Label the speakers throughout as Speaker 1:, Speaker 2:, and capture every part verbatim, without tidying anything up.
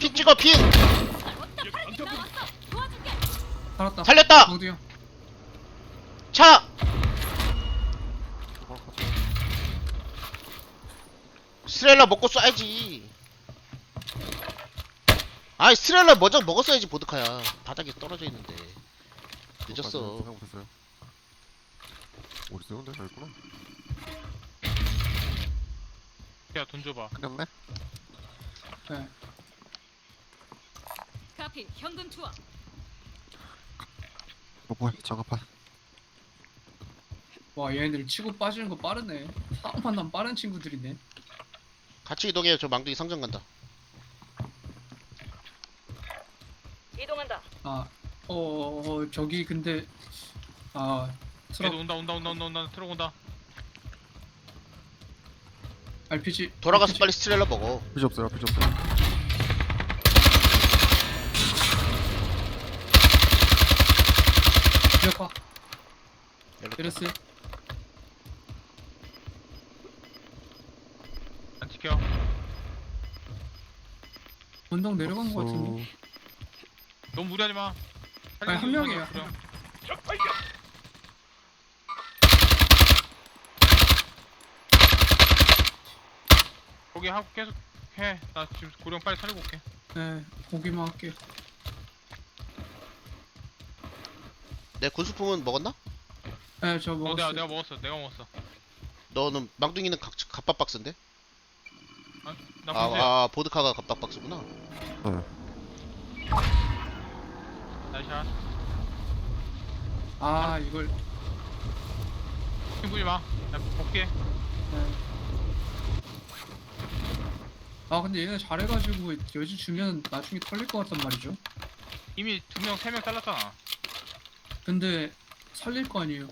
Speaker 1: 핑 찍어 핑.
Speaker 2: 살았다.
Speaker 1: 살렸다.
Speaker 2: 어디야?
Speaker 1: 차. 스트렐라 먹고 쏴야지. 아이 스트렐라 먼저 먹었어야지. 보드카야 바닥에 떨어져 있는데 늦었어.
Speaker 3: 생각 못했어요. 어디 있어요? 근데 여기구나.
Speaker 4: 야 돈 줘봐.
Speaker 3: 끝났네.
Speaker 2: 네.
Speaker 5: 카피 현금 투하.
Speaker 3: 어 뭐야? 장갑판.
Speaker 2: 와 얘네들 치고 빠지는 거 빠르네. 사람 만나면 빠른 친구들이네.
Speaker 1: 같이 이동해요. 저 망둥이 상점 간다.
Speaker 5: 이동한다.
Speaker 2: 아, 어, 어, 어 저기 근데 아 트럭
Speaker 4: 얘도 온다 온다 온다 온다 온다 트럭 온다.
Speaker 2: 알피지
Speaker 1: 돌아가서
Speaker 2: 알피지.
Speaker 1: 빨리 스트렐라 먹어.
Speaker 3: 필요 없어요. 필요 없어요.
Speaker 2: 기억하.
Speaker 1: 열렸다.
Speaker 2: 베르스.
Speaker 4: 안 지켜.
Speaker 2: 언덕 내려간 거 같은데.
Speaker 3: 어,
Speaker 4: 너무 무리하지 마.
Speaker 2: 아니, 한 명이에요.
Speaker 4: 그래. 거기 하고 계속 해. 나 지금 고령 빨리 살리고 올게.
Speaker 2: 네, 보기만 할게.
Speaker 1: 내 군수품은 먹었나?
Speaker 2: 네, 저
Speaker 4: 어
Speaker 2: 먹었어.
Speaker 4: 내가 내가 먹었어. 내가 먹었어.
Speaker 1: 너는 망둥이는 각, 갑밥 박스인데?
Speaker 4: 아, 나
Speaker 1: 아,
Speaker 4: 보세요.
Speaker 1: 아 보드카가 갑밥 박스구나.
Speaker 3: 네.
Speaker 4: 나이샷.
Speaker 2: 아, 이걸.
Speaker 4: 힘 부지 마. 나 볼게.
Speaker 2: 네. 아, 근데 얘네 잘해가지고 여지 주면 나중에 털릴 것 같단 말이죠.
Speaker 4: 이미 두 명, 세 명 잘랐잖아.
Speaker 2: 근데 살릴 거 아니에요.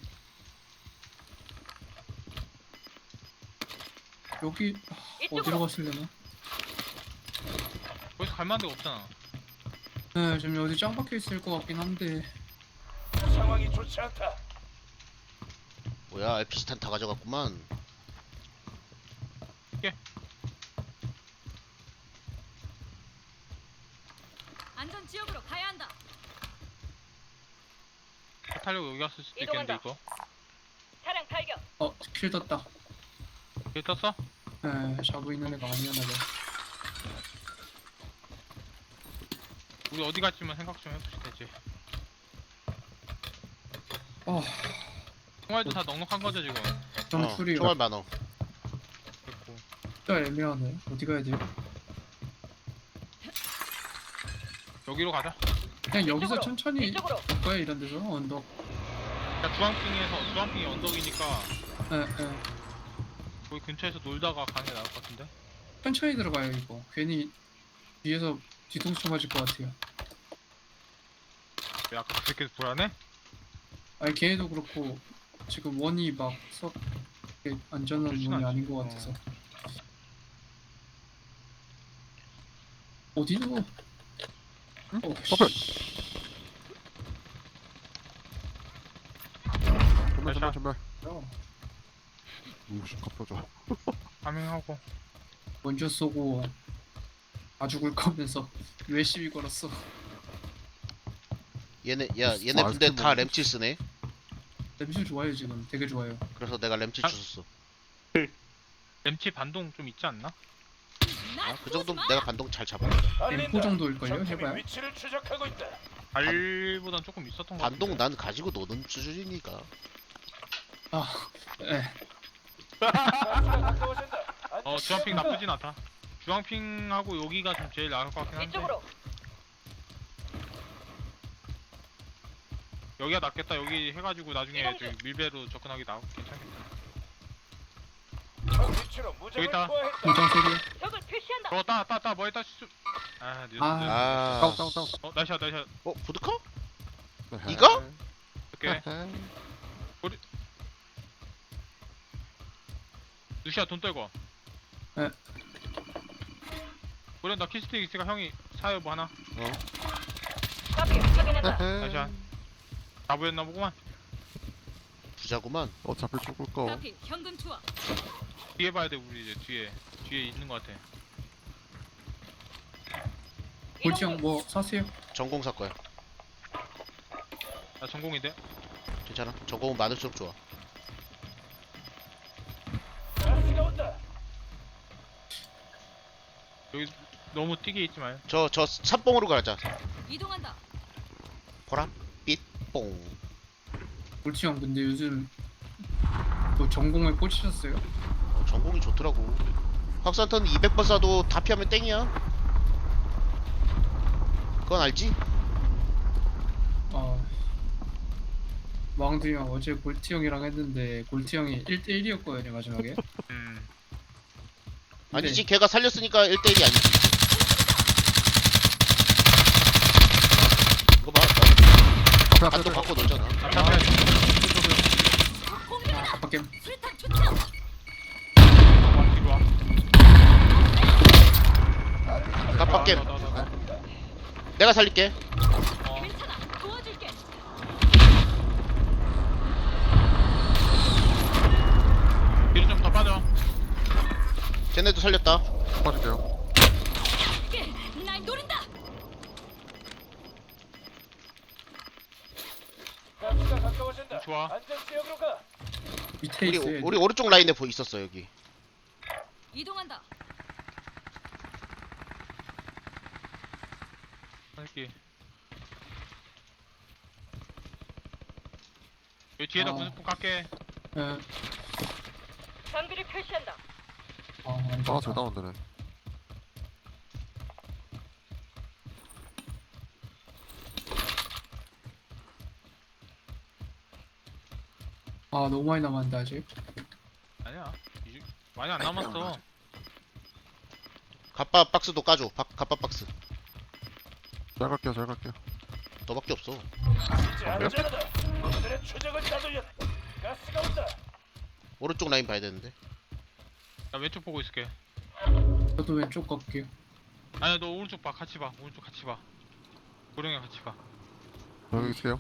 Speaker 2: 여기 아, 어디로 갔으려나?
Speaker 4: 거기서 갈 만한 데가 없잖아.
Speaker 2: 네, 지금 어디 짱 박혀 있을 것 같긴 한데.
Speaker 6: 상황이 좋지 않다.
Speaker 1: 뭐야 알피지 탄 다 가져갔구만.
Speaker 5: 안전 지역으로 가야 한다.
Speaker 4: 타려고 여기 왔을 수도 있겠는데 이거.
Speaker 5: 차량 발견.
Speaker 2: 어, 킬 떴다.
Speaker 4: 여기 떴어?
Speaker 2: 네, 자고 있는 애가 아니었나 봐.
Speaker 4: 우리 어디 갈지만 생각 좀 해보시 되지.
Speaker 2: 어,
Speaker 4: 총알도 다 넉넉한 거죠 지금.
Speaker 2: 좀
Speaker 1: 어,
Speaker 2: 풀이
Speaker 1: 총알 많어.
Speaker 4: 됐고.
Speaker 2: 진짜 애매하네. 어디 가야 돼요?
Speaker 4: 여기로 가자.
Speaker 2: 그냥 여기서
Speaker 5: 이쪽으로,
Speaker 2: 천천히
Speaker 5: 이쪽으로.
Speaker 2: 갈 거야 이런 데서 언덕.
Speaker 4: 야 주황핑에서 주황핑이 언덕이니까
Speaker 2: 네, 네.
Speaker 4: 거기 근처에서 놀다가 가는 게 나을 것 같은데.
Speaker 2: 천천히 들어가요 이거. 괜히 뒤에서 뒤통수 맞을 것 같아요.
Speaker 4: 왜 아까 그 새끼 불안해?
Speaker 2: 아니 걔네도 그렇고 지금 원이 막썩 안전한
Speaker 4: 좋진
Speaker 2: 원이
Speaker 4: 않지.
Speaker 2: 아닌 것
Speaker 4: 어.
Speaker 2: 같아서. 어디로?
Speaker 3: 응?
Speaker 2: 어,
Speaker 3: 커플.
Speaker 2: 씨.
Speaker 3: 전멸 전멸
Speaker 4: 자.
Speaker 3: 전멸.
Speaker 2: 야,
Speaker 3: 오씨 갑자죠.
Speaker 4: 파밍하고.
Speaker 2: 먼저 쏘고 다 죽을 거면서 왜 시비 걸었어?
Speaker 1: 얘네 야 얘네
Speaker 3: 아,
Speaker 1: 근데
Speaker 3: 아이스크림
Speaker 1: 다
Speaker 3: 먹는
Speaker 1: 램칠 쓰네.
Speaker 2: 램실 좋아요 지금. 되게 좋아요.
Speaker 1: 그래서 내가 램칠
Speaker 4: 아.
Speaker 1: 주웠어.
Speaker 4: 램치 반동 좀 있지 않나?
Speaker 1: 아, 그 정도 내가 반동 잘 잡아.
Speaker 2: 엠포 정도일걸요?
Speaker 6: 적팀이
Speaker 2: 해봐요.
Speaker 6: 위치를 추적하고 있다.
Speaker 4: 발보단 조금 있었던 거
Speaker 1: 반동
Speaker 4: 같은데.
Speaker 1: 난 가지고 노는 수준이니까.
Speaker 2: 아, 예.
Speaker 6: 가스가 가까워진다.
Speaker 4: 어 주황핑 나쁘진 않다. 주황핑하고 여기가 좀 제일 나을 것 같긴 한데.
Speaker 5: 이쪽으로.
Speaker 4: 여기가 낫겠다. 여기 해가지고 나중에
Speaker 5: 이동
Speaker 4: 저기 밀배로 접근하기 나 괜찮겠다.
Speaker 6: 적 위치로
Speaker 4: 여기
Speaker 6: 무장을
Speaker 4: 있다.
Speaker 6: 투하했다.
Speaker 2: 무장 세개.
Speaker 5: 적을 표시한다.
Speaker 4: 어, 따, 따, 따, 뭐에 따, 수. 아, 늦었어.
Speaker 2: 아.
Speaker 1: 아,
Speaker 3: 다운 다운 다운.
Speaker 4: 어, 나이샷, 나이샷.
Speaker 1: 어 보드카?
Speaker 3: 네.
Speaker 1: 이거?
Speaker 4: 오케이. 루시아 돈 떨고.
Speaker 2: 네.
Speaker 4: 우리 나 키스틱 있으니까 형이 사요 뭐 하나.
Speaker 1: 어.
Speaker 5: 카피 확인했다.
Speaker 4: 나이샷. 나보였나 보구만.
Speaker 1: 부자구만.
Speaker 3: 어 잡힐 죽을 거.
Speaker 5: 카피 현금 투하.
Speaker 4: 뒤에 봐야 돼 우리 이제 뒤에 뒤에 있는 것 같아.
Speaker 2: 골치 형뭐 사세요?
Speaker 1: 전공 살 거야.
Speaker 4: 나 전공인데.
Speaker 1: 괜찮아. 전공은 많을수록 좋아.
Speaker 6: 가스가 온다.
Speaker 4: 여기 너무 뛰게 있지 마요.
Speaker 1: 저 저 삼봉으로 가자.
Speaker 5: 이동한다.
Speaker 1: 보라 삐뽕.
Speaker 2: 골치 형 근데 요즘 뭐 전공에 꽂히셨어요?
Speaker 1: 전공이 좋더라고. 확산탄 이백 번 쏴도 다 피하면 땡이야. 그건 알지?
Speaker 2: 아 왕두 형 어제 골치 형이랑 했는데 골치 형이 일 대 일이었거든요 마지막에.
Speaker 4: 음.
Speaker 2: 근데
Speaker 1: 아니지. 걔가 살렸으니까 일 대 일이 아니지. 이거 봐.
Speaker 3: 앞에 앞에
Speaker 1: 간도
Speaker 3: 앞에.
Speaker 1: 갖고 놀잖아.
Speaker 4: 앞에 앞에.
Speaker 5: 공격이다.
Speaker 2: 아빠 게임
Speaker 5: 수류탄 투척.
Speaker 4: 와 뒤로 와.
Speaker 1: 깜빡게.
Speaker 4: 나, 나, 나, 나.
Speaker 1: 내가 살릴게.
Speaker 4: 어.
Speaker 5: 괜찮아. 도와줄게.
Speaker 4: 뒤로 좀 더 빠져.
Speaker 1: 쟤네도 살렸다.
Speaker 3: 빠질게요.
Speaker 5: 예, 날 노린다.
Speaker 6: 가스가 가까워진다.
Speaker 4: 좋아.
Speaker 6: 안전 지역으로 가.
Speaker 2: 밑에
Speaker 1: 우리
Speaker 2: 있어요.
Speaker 1: 우리 오른쪽 라인에 보 있었어 여기.
Speaker 5: 이동한다.
Speaker 4: 할게. 여기 뒤에다
Speaker 2: 아.
Speaker 4: 분수폭 깎게.
Speaker 2: 예.
Speaker 5: 장비를 표시한다.
Speaker 2: 아, 안
Speaker 3: 아, 저
Speaker 2: 좋다.
Speaker 3: 다운되네.
Speaker 2: 아 너무 많이 남았는데 아직.
Speaker 4: 아니야. 이- 많이 안 남았어.
Speaker 1: 갑바 박스도 까줘. 박, 갑바 박스.
Speaker 3: 잘 갈게요, 잘 갈게요.
Speaker 1: 너밖에 없어.
Speaker 6: 이제 안전하다. 오늘의 추적을 따돌려. 가스가 온다.
Speaker 1: 오른쪽 라인 봐야 되는데.
Speaker 4: 나 왼쪽 보고 있을게.
Speaker 2: 저도 왼쪽 갈게요.
Speaker 4: 아니야 너 오른쪽 봐. 같이 봐. 오른쪽 같이 봐. 고령이 같이 봐.
Speaker 3: 여기 있어요.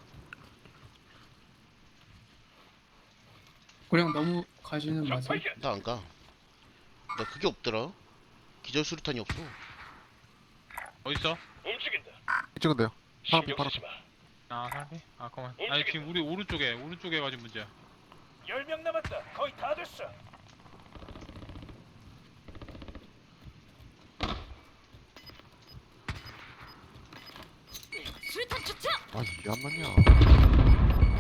Speaker 2: 그냥 너무 가지는 마세요.
Speaker 6: 적발견.
Speaker 1: 나 안 가. 나 그게 없더라. 기절 수류탄이 없어.
Speaker 4: 어딨어?
Speaker 6: 움직인다.
Speaker 3: 찍은데요. 파란빛,
Speaker 6: 신경 쓰지
Speaker 3: 파란빛.
Speaker 6: 마.
Speaker 4: 아 사람이? 아 그만. 아니 지금 우리 오른쪽에 오른쪽에 가진 문제야.
Speaker 6: 열 명 남았다. 거의 다 됐어.
Speaker 5: 수류탄 투척.
Speaker 3: 아, 이게 안 맞냐.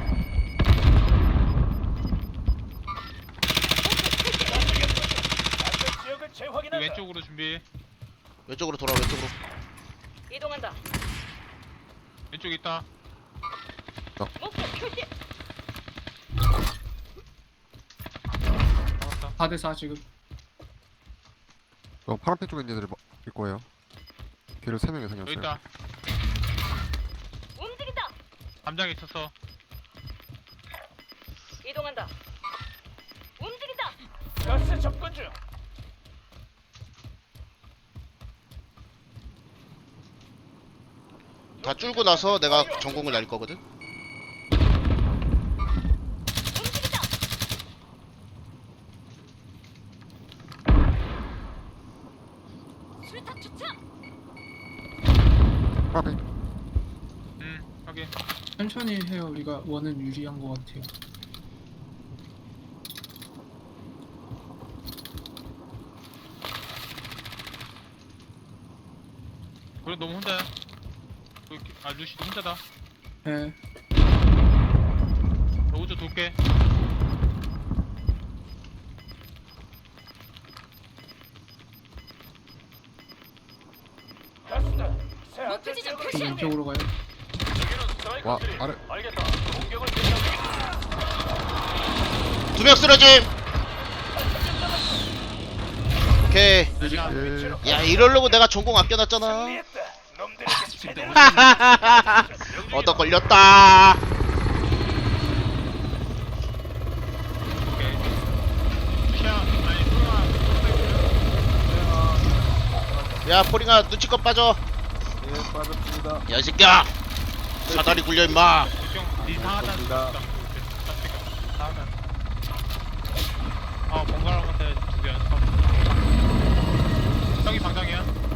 Speaker 6: 안전 지역을
Speaker 4: 그
Speaker 6: 재확인한다.
Speaker 4: 왼쪽으로 준비.
Speaker 1: 왼쪽으로 돌아. 왼쪽으로.
Speaker 5: 이동한다.
Speaker 4: 왼쪽 있다.
Speaker 5: 목표 표시.
Speaker 4: 잡았다.
Speaker 2: 사 대 사 지금.
Speaker 3: 어, 파란빛 쪽에 있는 애들이 마- 일 거예요. 걔를 세 명이
Speaker 4: 여기
Speaker 3: 생겼어요.
Speaker 4: 있다.
Speaker 5: 움직인다.
Speaker 4: 담장에 있었어.
Speaker 5: 이동한다. 움직인다.
Speaker 6: 가스 접근 중.
Speaker 1: 다 줄고 나서 내가 전공을 날릴 거거든.
Speaker 5: 움직인다. 수류탄 투척.
Speaker 3: 파란빛.
Speaker 4: 음 확인.
Speaker 2: 천천히 해요. 우리가 원은 유리한 것 같아요.
Speaker 4: 그래 너무 혼자야. 여기- 아 루시도 혼자다.
Speaker 2: 예.
Speaker 4: 나 우주 돌게.
Speaker 6: 가스다. 새
Speaker 5: 목표
Speaker 6: 안전
Speaker 5: 지점
Speaker 6: 지역으로
Speaker 2: 좀
Speaker 5: 표시.
Speaker 2: 왼쪽으로 가요.
Speaker 6: 여기는
Speaker 3: 와,
Speaker 6: 스트라이커들이.
Speaker 3: 아래.
Speaker 6: 알겠다. 공격을 개시하겠다.
Speaker 1: 두 명 쓰러짐. 오케이.
Speaker 3: 예.
Speaker 1: 야 이러려고 내가 전공 아껴놨잖아.
Speaker 6: 승리했다. 놈들에게 제대로.
Speaker 1: 얻어 걸렸다.
Speaker 4: 오케이. 루시야 아니 소영아.
Speaker 1: 야 포링아 눈치껏 빠져.
Speaker 7: 예, 빠졌습니다.
Speaker 1: 야 이 새끼야. 사다리 굴려 임마.
Speaker 4: 걱정 네 사하단
Speaker 7: 감사합니다.
Speaker 4: 있다. 사하단. 아 번갈아가면서 두 개 연습하고. 형이 방장이야.